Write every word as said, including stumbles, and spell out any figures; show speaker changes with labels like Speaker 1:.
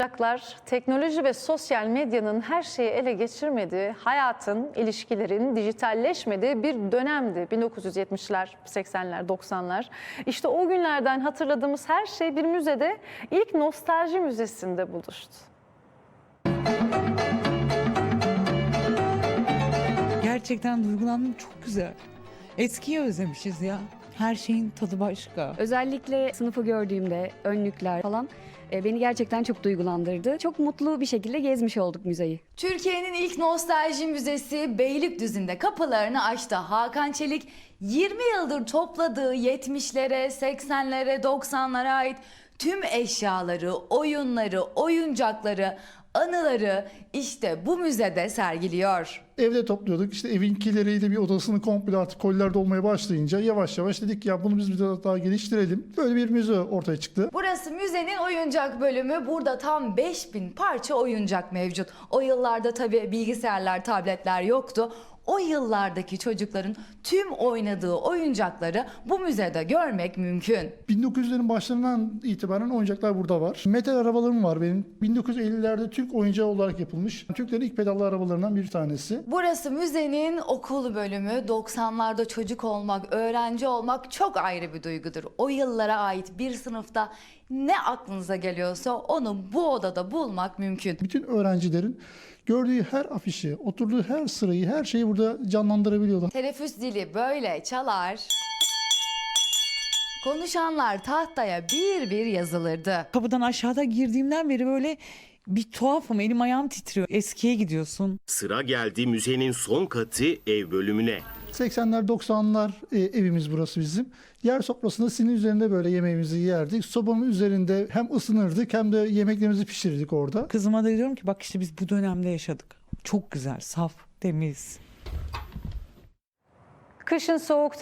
Speaker 1: Oyuncaklar, teknoloji ve sosyal medyanın her şeyi ele geçirmediği, hayatın, ilişkilerin dijitalleşmediği bir dönemdi. bin dokuz yüz yetmişler, seksenler, doksanlar. İşte o günlerden hatırladığımız her şey bir müzede, ilk nostalji müzesinde buluştu.
Speaker 2: Gerçekten duygulandım, çok güzel. Eskiyi özlemişiz ya. Her şeyin tadı başka.
Speaker 3: Özellikle sınıfı gördüğümde önlükler falan e, beni gerçekten çok duygulandırdı. Çok mutlu bir şekilde gezmiş olduk müzeyi.
Speaker 4: Türkiye'nin ilk nostalji müzesi Beylikdüzü'nde kapılarını açtı. Hakan Çelik yirmi yıldır topladığı yetmişlere, seksenlere, doksanlara ait tüm eşyaları, oyunları, oyuncakları, anıları işte bu müzede sergiliyor.
Speaker 5: Evde topluyorduk. İşte evinkileriyle bir odasını komple artık koliler dolmaya başlayınca yavaş yavaş dedik ya bunu biz bir daha, daha geliştirelim. Böyle bir müze ortaya çıktı.
Speaker 4: Burası müzenin oyuncak bölümü. Burada tam beş bin parça oyuncak mevcut. O yıllarda tabii bilgisayarlar, tabletler yoktu. O yıllardaki çocukların tüm oynadığı oyuncakları bu müzede görmek mümkün.
Speaker 5: bin dokuz yüzlerin başlarından itibaren oyuncaklar burada var. Metal arabalarım var benim. bin dokuz yüz ellilerde Türk oyuncağı olarak yapılmış. Türklerin ilk pedallı arabalarından bir tanesi.
Speaker 4: Burası müzenin okul bölümü. doksanlarda çocuk olmak, öğrenci olmak çok ayrı bir duygudur. O yıllara ait bir sınıfta ne aklınıza geliyorsa onu bu odada bulmak mümkün.
Speaker 5: Bütün öğrencilerin gördüğü her afişi, oturduğu her sırayı, her şeyi burada canlandırabiliyorlar.
Speaker 4: Teneffüs dili böyle çalar. Konuşanlar tahtaya bir bir yazılırdı.
Speaker 2: Kapıdan aşağıda girdiğimden beri böyle bir tuhafım, elim ayağım titriyor. Eskiye gidiyorsun.
Speaker 6: Sıra geldi müzenin son katı ev bölümüne.
Speaker 5: seksenler doksanlar e, evimiz burası bizim. Yer sofrasında sinin üzerinde böyle yemeğimizi yerdik. Sobanın üzerinde hem ısınırdık hem de yemeklerimizi pişirirdik orada.
Speaker 2: Kızıma da diyorum ki bak işte biz bu dönemde yaşadık. Çok güzel, saf, temiz.
Speaker 1: Kışın soğuk